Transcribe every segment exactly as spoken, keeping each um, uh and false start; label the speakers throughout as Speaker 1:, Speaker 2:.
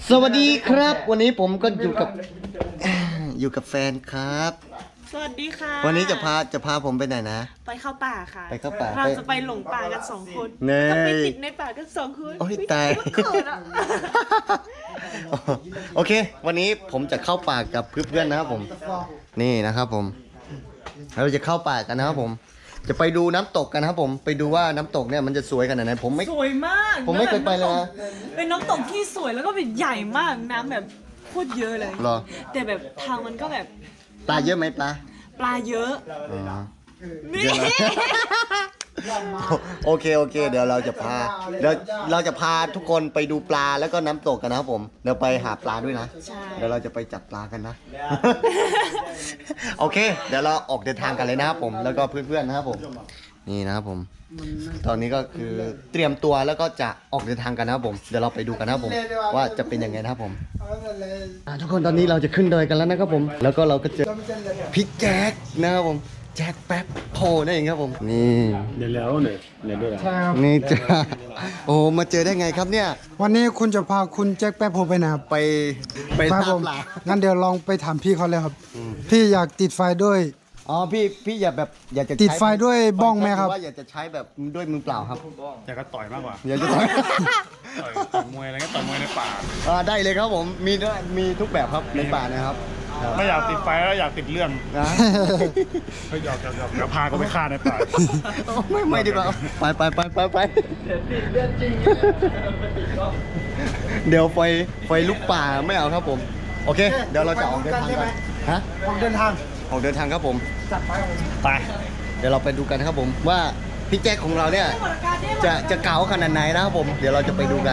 Speaker 1: สวัสดีครับวันนี้ผมก็อยู่กับอยู่กับแฟนครับ
Speaker 2: สวัสดีค่ะ
Speaker 1: วันนี้จะพาจะพาผมไปไหนนะ
Speaker 2: ไปเข้าป่าค่ะ
Speaker 1: ไปเข้าป่า
Speaker 2: เราจะไปหลงป่ากันสองคน
Speaker 1: เนย
Speaker 2: ก็ไปติดในป่ากันสองคน
Speaker 1: โอ้ยตาย
Speaker 2: เขินอะ
Speaker 1: โอเควันนี้ผมจะเข้าป่ากับเพื่อนๆนะครับผมนี่นะครับผมเราจะเข้าป่ากันนะครับผมจะไปดูน้ำตกกันนะครับผมไปดูว่าน้ำตกเนี่ยมันจะสวยขนาดไหนผมไม่
Speaker 2: สวยมาก
Speaker 1: ผมไม่เคยไปเลยนะ
Speaker 2: เป็นน้ำตกที่สวยแล้วก็แบบใหญ่มากน้ำแบบโคตรเยอะเลย
Speaker 1: หรอ
Speaker 2: แต่แบบทางมันก็แบบ
Speaker 1: ปลาเยอะไหมปลา
Speaker 2: ปลาเยอะ
Speaker 1: อ๋อ
Speaker 2: นี่
Speaker 1: เยอะไหม โอเคโอเค เดี๋ยวเราจะพาเดี๋ยวเราจะพาทุกคนไปดูปลาแล้วก็น้ำตกกันนะครับผมเดี๋ยวไปหาปลาด้วยนะ
Speaker 2: ใช่
Speaker 1: เดี๋ยวเราจะไปจับปลากันนะ โอเค เดี๋ยวเราออกเดินทางกันเลยนะครับผมแล้วก็เพื่อนๆนะครับผมนี่นะครับผม ตอนนี้ก็คือเตรียมตัวแล้วก็จะออกเดินทางกันนะครับผมเดี๋ยวเราไปดูกันนะครับผมว่าจะเป็นยังไงนะครับผมอ่ะทุกคนตอนนี้เราจะขึ้นดอยกันแล้วนะครับผมแล้วก็เราก็เจอพี่แจ็คนะครับผมแจ็คแป๊บโพนั่นเองครับผมนี่
Speaker 3: เดี๋ยวแล้วเนี่ยเดี๋ยวด้วย
Speaker 4: ใช่ครับ
Speaker 1: นี่จ้าโอ้มาเจอได้ไงครับเนี่ย
Speaker 4: วันนี้คุณจะพาคุณแจ็คแป๊บโฮไปนะครับ
Speaker 1: ไปไป
Speaker 4: ครั
Speaker 1: ตา
Speaker 4: ผม ม
Speaker 1: ปลา
Speaker 4: งั้นเดี๋ยวลองไปถามพี่เขาเลยครับ พี่อยากติดไฟด้วย
Speaker 1: อ๋อพี่พี่อย่าแบบอยากจะ
Speaker 4: ติดไฟด้วยบ้องไหมครับ
Speaker 1: ว่าอยากจะใช้แบบด้วยมือเปล่าครับ
Speaker 3: อยากจะต่อยมากกว่า
Speaker 1: อยากจะใช้
Speaker 3: ต่อยต่อยมวยอะไรก็ต่อยมวยในป่า
Speaker 1: อ่าได้เลยครับผมมีด้วยมีทุกแบบครับในป่านะครับ
Speaker 3: ไม่อยากติดไฟแล้วอยากติดเรื่อง
Speaker 1: นะ
Speaker 3: ก็หยอกหยอกหยอกเดี๋ยวพาเขาไปฆ่าในป่า
Speaker 1: ไม่ไม่ดีกว่าไปไปไปไปไปเดี๋ยวไฟไฟลุกป่าไม่เอาครับผมโอเค เดี๋ยวเราจะออกเดินทางกันฮะ
Speaker 4: ออกเดินทาง
Speaker 1: ออกเดินทางครับผม
Speaker 4: จัดไป
Speaker 1: ไปเดี๋ยวเราไปดูกันครับผมว่าพี่แจ็คของเราเนี่ยจะจะเก๋าขนาดไหนนะครับผมเดี๋ยวเราจะไปดูกัน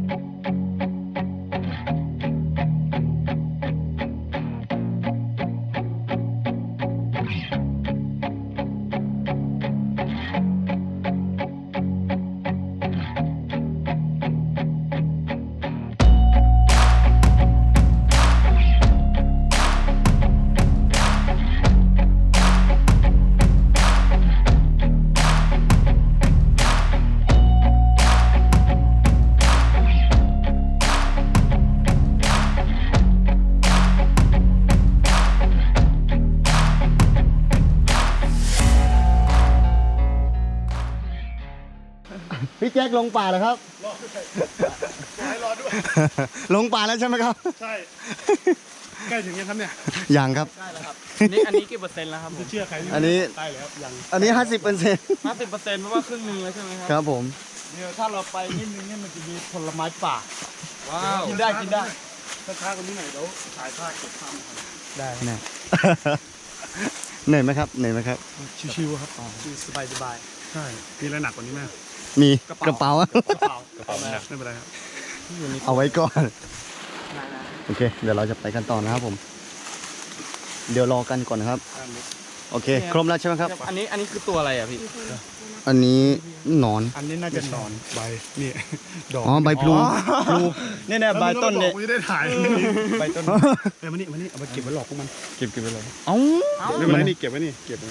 Speaker 1: พี่แจ็คลงป่าเหรอครับ
Speaker 3: ให้รอด้วย
Speaker 1: ลงป่าแล้วใช่ไหมครับ
Speaker 3: ใช่ ใกล้ถึงยังครับเนี่ย
Speaker 1: ยังครับ
Speaker 5: นี่อันนี้กี่เปอร์เซ็นต์แล้วครับ
Speaker 3: จะเชื่อใคร
Speaker 1: อันนี้
Speaker 3: ใกล้แล้วยัง
Speaker 1: อันนี้ห้าสิบเปอร์เซ็นต์
Speaker 5: ห้าสิบเปอร์เซ็นต์เพราะว่าครึ่งหนึงแล้วใช่ไหมค
Speaker 1: ครับ รับผม
Speaker 5: เดี๋ยวถ้าเราไปนิดนึงเนี่ยมันจะมีผลไม้ป่า ว้าว
Speaker 3: กินได้กินได้ถ้าช้ากว่านี้หน่อยเดี๋ยวถ่ายภาพเก็บภาพมาก่อน
Speaker 1: ได้แน่ เหนื่อยไหมครับเหนื่อยไหมครับ
Speaker 3: ชิวๆครับ
Speaker 5: สบายสบาย
Speaker 3: ใช่มีอะไรหนักกว่านี้ไหม
Speaker 1: มีกระเป๋า
Speaker 3: กระเป๋ากระเป๋าหนักไม่เป็นไรครับ
Speaker 1: เอาไว้ก่อน โอเค เดี๋ยวเราจะไปกันต่อนะครับผม เดี๋ยวรอกันก่อนนะครับ โอเค ครบแล้วใช่ไหมครับ
Speaker 5: อันนี้อันนี้คือตัวอะไรอ่ะพี่
Speaker 1: อันนี้หนอน
Speaker 3: อันนี้น่าจะนอนใบนี่ดอก
Speaker 1: อ๋อ ใบพลูพลู
Speaker 5: เนี่ยเนี่ยใบต้นเนี่ย
Speaker 3: ไม่ได้ถ่าย
Speaker 5: ใบต้น
Speaker 3: เออมานี่มานี่เอาไปเก็บไว้หลอกพวกมัน
Speaker 1: เก็บเก็บไปเลย
Speaker 5: เอ้า
Speaker 3: ไม่เป็นไรนี่เก็บไว้นี่เก็บไว้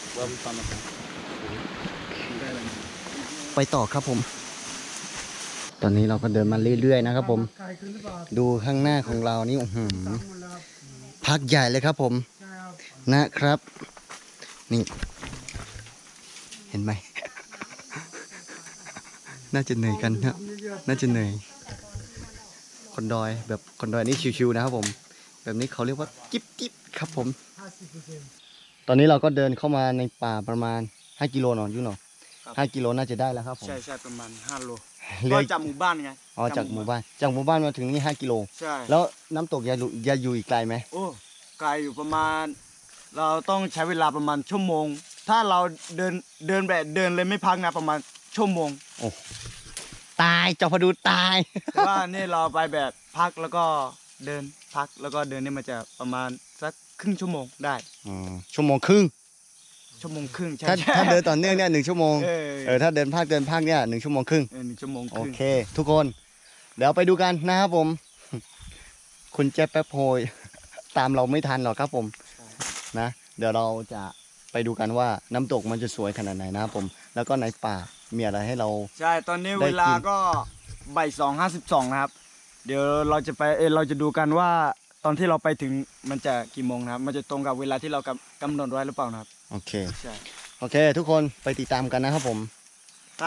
Speaker 1: ไปต่อครับผม ตอนนี้เราก็เดินมาเรื่อยๆนะครับผม
Speaker 4: ไกลขึ้นหรือเปล่า
Speaker 1: ดูข้างหน้าของเรานี่อื้อหือ
Speaker 4: หมดแล้วครับ
Speaker 1: พักใหญ่เลยครับผม
Speaker 4: ใช่ครับ
Speaker 1: นะครับ นี่ เห็นไหม น่าจะเหนื่อยกันนะน่าจะเหนื่อย คนดอยแบบคนดอยนี่ชิวๆนะครับผม แบบนี้เขาเรียกว่าจิ๊บจิ๊บครับผม
Speaker 4: ห้าสิบเปอร์เซ็นต์
Speaker 1: ตอนนี้เราก็เดินเข้ามาในป่าประมาณห้ากิโลหนอนยุ่หนอห้ากิโลน่าจะได้แล้วครับผม
Speaker 5: ใช่ใช่ประมาณห้าโล
Speaker 1: เหลื
Speaker 5: ก็
Speaker 1: อ
Speaker 5: จากหมู่บ้านไง
Speaker 1: อ๋อจากหมู่บ้าน จากหมู่บ้านมาถึงนี่ห้ากิโล
Speaker 5: ใช่
Speaker 1: แล้วน้ำตกยาอยู่ยาอยู่อีกไกลไหม
Speaker 5: โอ้ไกลอยู่ประมาณ เราต้องใช้เวลาประมาณชั่วโมง ถ้าเราเดินเดินแบบเดินเลยไม่พักนะประมาณชั่วโมง
Speaker 1: ตายเจ้าพะดูตาย
Speaker 5: แต่ว่านี่เราไปแบบพักแล้วก็เดินพักแล้วก็เดินนี่มันจะประมาณสักครึ่งชั่วโมงได้
Speaker 1: อ๋อชั่วโมงครึ่ง
Speaker 5: ชั่วโมงครึ่งใช่
Speaker 1: ถ้า
Speaker 5: ใช่
Speaker 1: ถ้าเดินต่อเนื่องเนี่ยหนึ่งชั่วโมง
Speaker 5: เออ
Speaker 1: เออถ้าเดินภาคเดินภาคเนี่ยหนึ่งชั่วโมงครึ่ง
Speaker 5: เออหนึ่งชั่วโมงค
Speaker 1: โอ
Speaker 5: รึ่ง
Speaker 1: เค ทุกคน เดี๋ยวไปดูกันนะครับผม คุณแจ๊บแป๊บโพย ตามเราไม่ทันหรอกครับผม นะ เดี๋ยวเราจะไปดูกันว่าน้ำตกมันจะสวยขนาดไหนนะครับผม แล้วก็ในป่ามีอะไรให้เรา
Speaker 5: ใช่ตอนนี้
Speaker 1: ได้กิน
Speaker 5: เวลาก็บ่ายสองห้าสิบสองนะครับเดี๋ยวเราจะไปเออเราจะดูกันว่าตอนที่เราไปถึงมันจะกี่โมงนะครับมันจะตรงกับเวลาที่เรากำกำหนดไว้หรือเปล่านะครับ
Speaker 1: โอเค
Speaker 5: ใช่
Speaker 1: โอเค ทุกคนไปติดตามกันนะครับผม
Speaker 5: ใช่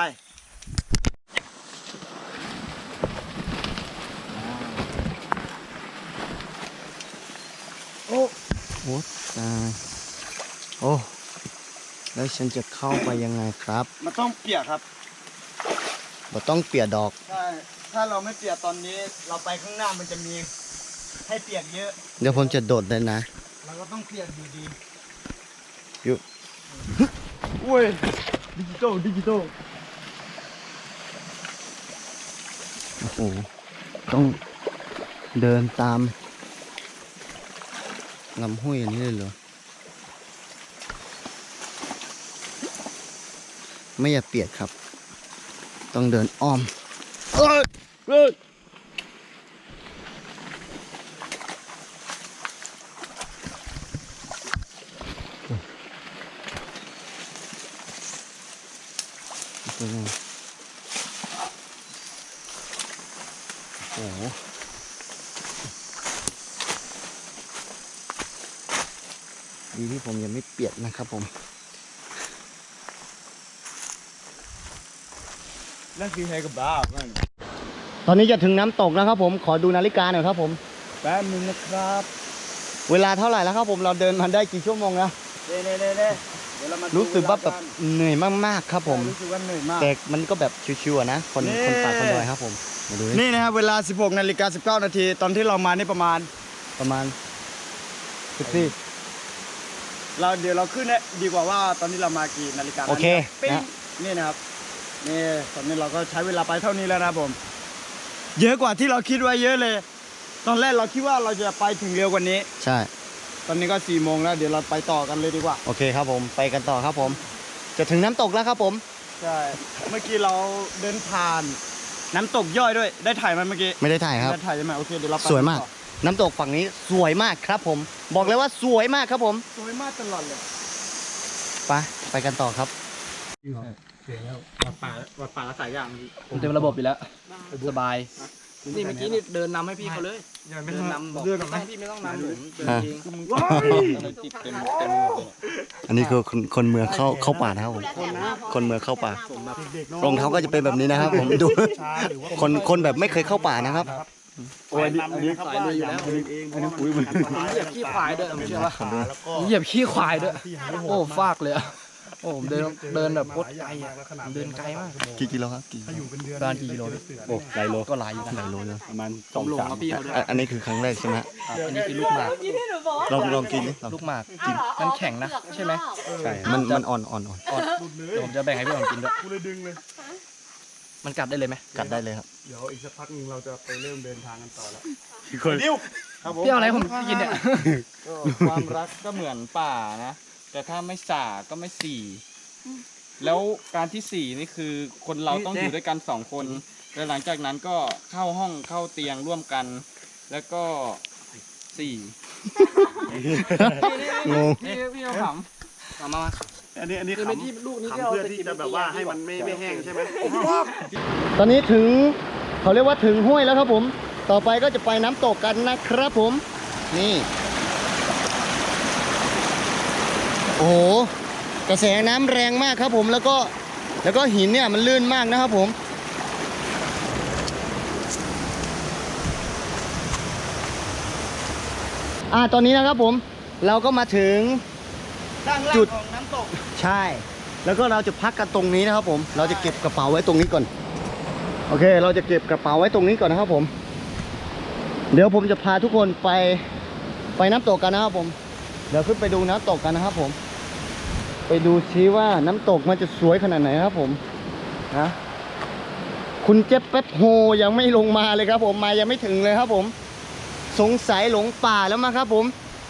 Speaker 1: โอ้โหตายโอ้แล้วฉันจะเข้าไปยังไงครับ
Speaker 5: มันต้องเปียกครับ
Speaker 1: บ่ต้องเปียกดอก
Speaker 5: ใช่ถ้าเราไม่เปียกตอนนี้เราไปข้างหน้ามันจะมีให้เปียกเยอะ
Speaker 1: เดี๋ยวผมจะโดดเลยนะ
Speaker 5: เราก็ต้องเปียกอยู่ดี
Speaker 1: อยู่
Speaker 5: อุ้ยดิจิตอลดิจิตอล
Speaker 1: โอ้โหต้องเดินตามลำห้วยอย่างนี้เลยเหรอไม่อยากเปียกครับ ต้องเดินอ้อมเอ้ยเอ้ยโอ้โหดีที่ผมยังไม่เปียกนะครับผม
Speaker 5: นั่นคือไฮกับบ้ามัน
Speaker 1: ตอนนี้จะถึงน้ำตกแล้วครับผม ขอดูนาฬิกาหน่อยครับผม
Speaker 5: แป๊บนึงนะครับ
Speaker 1: เวลาเท่าไหร่แล้วครับผม เราเดินมาได้กี่ชั่วโมงแล้ว
Speaker 5: เด้เด้เด้เด้เดี๋ยวเรามาดู
Speaker 1: รู้สึกว่าแบบ
Speaker 5: เวลน
Speaker 1: เหนื่อยมากๆครับผม
Speaker 5: รู้สึกว่าเหนื่อยมาก
Speaker 1: แต่มันก็แบบชิวๆอะนะ คน
Speaker 5: นี่
Speaker 1: คนป่าคนดอยครับผม มาดูดิ
Speaker 5: นี่นะครับเวลา สิบหกนาฬิกาสิบเก้านาทีตอนที่เรามานี่ประมาณ
Speaker 1: ประมาณสิบสี่
Speaker 5: เราเดี๋ยวเราขึ้นเนี่ยดีกว่าว่าตอนนี้เรามากี่นาฬิกา
Speaker 1: โอเค
Speaker 5: ปิ้ง
Speaker 1: นะ
Speaker 5: นี่นะครับนี่ตอนนี้เราก็ใช้เวลาไปเท่านี้แล้วนะครับผม เยอะกว่าที่เราคิดไว้เยอะเลย ตอนแรกเราคิดว่าเราจะไปถึงเร็วกว่านี้
Speaker 1: ใช่
Speaker 5: ตอนนี้ก็สี่โมงแล้วเดี๋ยวเราไปต่อกันเลยดีกว่า
Speaker 1: โอเคครับผม ไปกันต่อครับผม จะถึงน้ำตกแล้วครับผม
Speaker 5: ใช่เมื่อกี้เราเดินผ่าน น้ำตกย่อยด้วย ได้ถ่ายไหมเมื่อกี้
Speaker 1: ไม่ได้ถ่ายครับ
Speaker 5: ได้ถ่ายใช่ไหมโอเคเดี๋ยวเราไป
Speaker 1: สวยมาก
Speaker 5: ต่อ
Speaker 1: น้ำตกฝั่งนี้สวยมากครับผม บอกเลยว่าสวยมากครับผม
Speaker 5: สวยมากตลอดเลย
Speaker 1: ไป ไปกันต่อครับ
Speaker 3: วัดป่าวัดป่าละสายอย่าง
Speaker 6: ผมเต็มระบบอยู่แล้ว สบาย นี่เมื่อกี้นี่เดินนำให้พี่เขาเลย
Speaker 3: ยังไม่
Speaker 6: เดิน
Speaker 3: นำ
Speaker 6: นำบอก
Speaker 3: เดิน
Speaker 6: ไม่
Speaker 3: ไหม
Speaker 6: ต้องพี่ไม่ต้องนำผมเดิน
Speaker 1: อ่ะ
Speaker 6: เอง
Speaker 3: ติดเต็มเต็ม
Speaker 1: อันนี้คือคนคนเมืองเข้าเข้าป่านะครับผม คนเมืองเข้าป่า รองเท้าก็จะเป็นแบบนี้นะครับผม ดู คนคนแบบไม่เคยเข้าป่านะครับ
Speaker 3: โอ้ยอันนี้สายเลยอยู่แล้วเองอันนี้ปุ๋ยมัน
Speaker 6: เหยียบขี้ควายด้วยผมเชื่อว่าเหยียบขี้ควายด้วย โอ้ฟากเลยอะโอ้ผมเดินเดินแบบโคตรไกลอะผมเดินไกลมาก
Speaker 1: กี่กิโลครับกี่
Speaker 6: ประมาณกี่กิโลพี่
Speaker 1: โอ้หลายโลก็หลายอยู่หลายโลเลย
Speaker 3: ประมาณ
Speaker 6: ผมลงกับพี่เขาด้วย
Speaker 1: อ่ะอันนี้คือครั้งแรกใช่ไหมฮะ
Speaker 6: อันนี้คือลูกหมาก
Speaker 2: ที่ที่หนูบอกว่า
Speaker 1: ลองลองกินดิลอง
Speaker 6: ลูกหมากกินมันแข็งนะใช่ไหม
Speaker 1: ใช่มันมันอ่อนอ่อนอ่อน
Speaker 6: อ่อนเดี๋ยวผมจะแบ่งให้พี่ผมกินด้วย
Speaker 3: กูเลยดึงเลย
Speaker 6: มันกัดได้เลยไหม
Speaker 1: กัดได้เลยครับ
Speaker 3: เดี๋ยวอีกสักพักนึงเราจะไปเริ่มเดินทางกันต่อแล้ว
Speaker 5: ดิวครับผม
Speaker 6: พี่เอาอะไรให้ผมกินเนี่ย
Speaker 7: ความรักก็เหมือนป่านะ แต่ถ้าไม่ส่าก็ไม่สี่ แล้วการที่สี่นี่คือคนเราต้องอยู่ด้วยกันสองคนแล้วหลังจากนั้นก็เข้าห้องเข้าเตียงร่วมกัน แล้วก็สี่
Speaker 1: งง
Speaker 6: พี่พี่เอาขำเอามามา
Speaker 3: อันนี้อันนี้
Speaker 6: คือ
Speaker 3: ข
Speaker 6: เป็นที่ลูกนี้
Speaker 3: ำ
Speaker 6: ที่
Speaker 3: ขำ
Speaker 6: เรา
Speaker 3: เพื่อ
Speaker 6: จะ
Speaker 3: ที่
Speaker 6: กิน
Speaker 3: จะแบบว่าให้มันไม่ไม่แห้งใช่ไหม
Speaker 1: ตอนนี้ถึงเขาเรียกว่าถึงห้วยแล้วครับผม ต่อไปก็จะไปน้ำตกกันนะครับผม นี่ โอ้โห กระแสน้ำแรงมากครับผม แล้วก็แล้วก็หินเนี่ยมันลื่นมากนะครับผม อ่า ตอนนี้นะครับผม เราก็มาถึง
Speaker 5: ด้านล่าง
Speaker 1: จุด
Speaker 5: ของน้ำตก
Speaker 1: ใช่ แล้วก็เราจะพักกันตรงนี้นะครับผม เราจะเก็บกระเป๋าไว้ตรงนี้ก่อน โอเค เราจะเก็บกระเป๋าไว้ตรงนี้ก่อนนะครับผม เดี๋ยวผมจะพาทุกคนไปไปน้ำตกกันนะครับผม เดี๋ยวขึ้นไปดูน้ำตกกันนะครับผม ไปดูซิว่าน้ำตกมันจะสวยขนาดไหนครับผม นะ คุณเจ็บแป๊บโฮยังไม่ลงมาเลยครับผม มายังไม่ถึงเลยครับผม สงสัยหลงป่าแล้วมั้งครับผม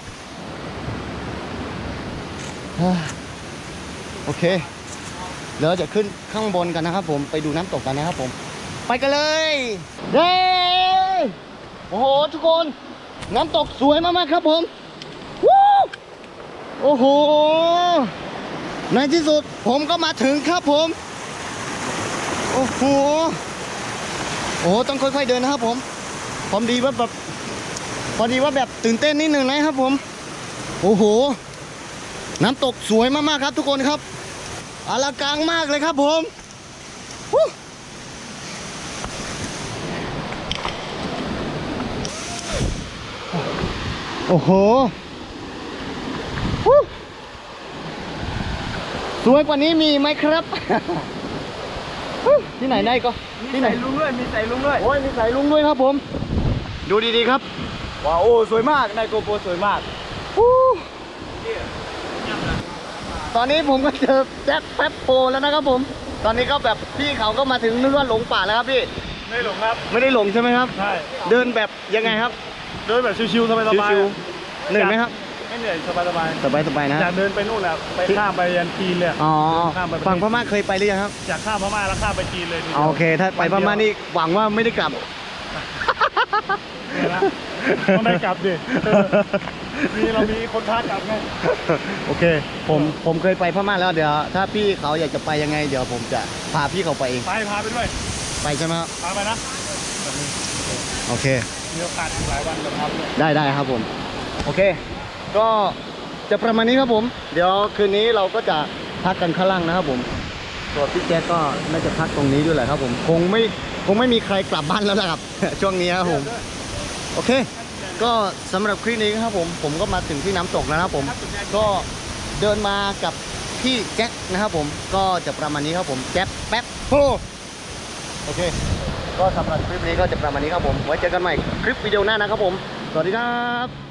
Speaker 1: โอเค เดี๋ยวเราจะขึ้นข้างบนกันนะครับผม ไปดูน้ำตกกันนะครับผม ไปกันเลยเย้โอ้โหทุกคน น้ำตกสวยมากๆครับผมวู้โอ้โห ในที่สุดผมก็มาถึงครับผม โอ้โห โอ้โหต้องค่อยๆเดินนะครับผมพอดีว่าแบบพอดีว่าแบบตื่นเต้นนิดนึงนะครับผมโอ้โหน้ำตกสวยมากๆครับทุกคนครับอลังการมากเลยครับผมฮู้โอ้โหฮู้สวยกว่านี้มีไหมครับ ที่ไหนได้ก็ที่ไหน
Speaker 5: ลุงด้วยมีใส่ลุงด้วย
Speaker 1: โอ้ยมีสายลุงด้วยครับผม ดูดีๆครับ
Speaker 5: ว้าวโอ้สวยมากนายโกโปรสวยมาก
Speaker 1: ฮู้ตอนนี้ผมก็เจอแจ็คแป๊บโปแล้วนะครับผม ตอนนี้ก็แบบพี่เขาก็มาถึงนึกว่าหลงป่าแล้วครับพี่
Speaker 3: ไม่หลงครับ
Speaker 1: ไม่ได้หลงใช่ไหมครับ
Speaker 3: ใช่
Speaker 1: เดินแบบยังไงครับ
Speaker 3: เดินแบบชิวๆสบาย
Speaker 1: ชิวๆเหนื่อยไหมครับ
Speaker 3: ๆไม่เหนื่อยสบาย
Speaker 1: สบายๆนะ
Speaker 3: ๆอยากเดินไปนู่นแหละไปข้ามไปยันจีนเลย
Speaker 1: อ๋อ
Speaker 3: ข้ามไป
Speaker 1: ฝั่งพม่าเคยไปหรือยังครับ
Speaker 3: อยากข้ามพม่าแล้วข้ามไปจีนเลยทีดียว
Speaker 1: โอเค ถ้าไปพม่านี่หวังว่าไม่ได้กลับ
Speaker 3: เนี่ยนะต้องได้กลับดิเออมีเรามีคนท้ากลับไง
Speaker 1: โอเค ผมผมเคยไปพม่าแล้วเดี๋ยว ถ้าพี่เขาอยากจะไปยังไง เดี๋ยวผมจะพาพี่เขาไปเอง
Speaker 3: ไปพาไปด้วย
Speaker 1: ไปใช่ไหมครับ
Speaker 3: พาไปนะ
Speaker 1: โอเค
Speaker 3: มีโอกาสอีกหลายวันจะพาไปด้วย
Speaker 1: ได้ได้ครับผม โอเค ก็จะประมาณนี้ครับผม เดี๋ยวคืนนี้เราก็จะพักกันข้างล่างนะครับผมส่วนพี่แจ๊คก็น่าจะพักตรงนี้ด้วยแหละครับผม คงไม่คงไม่มีใครกลับบ้านแล้วนะครับ ช่วงนี้ครับผม โอเค ก็สำหรับคลิปนี้ครับผม ผมก็มาถึงที่น้ำตกแล้วนะครับผม ก็เดินมากับพี่แจ็คนะครับผม ก็จะประมาณนี้ครับผม แจ็คแป๊บโฮโอเค ก็สำหรับคลิปนี้ก็จะประมาณนี้ครับผม ไว้เจอกันใหม่คลิปวิดีโอหน้านะครับผม สวัสดีครับ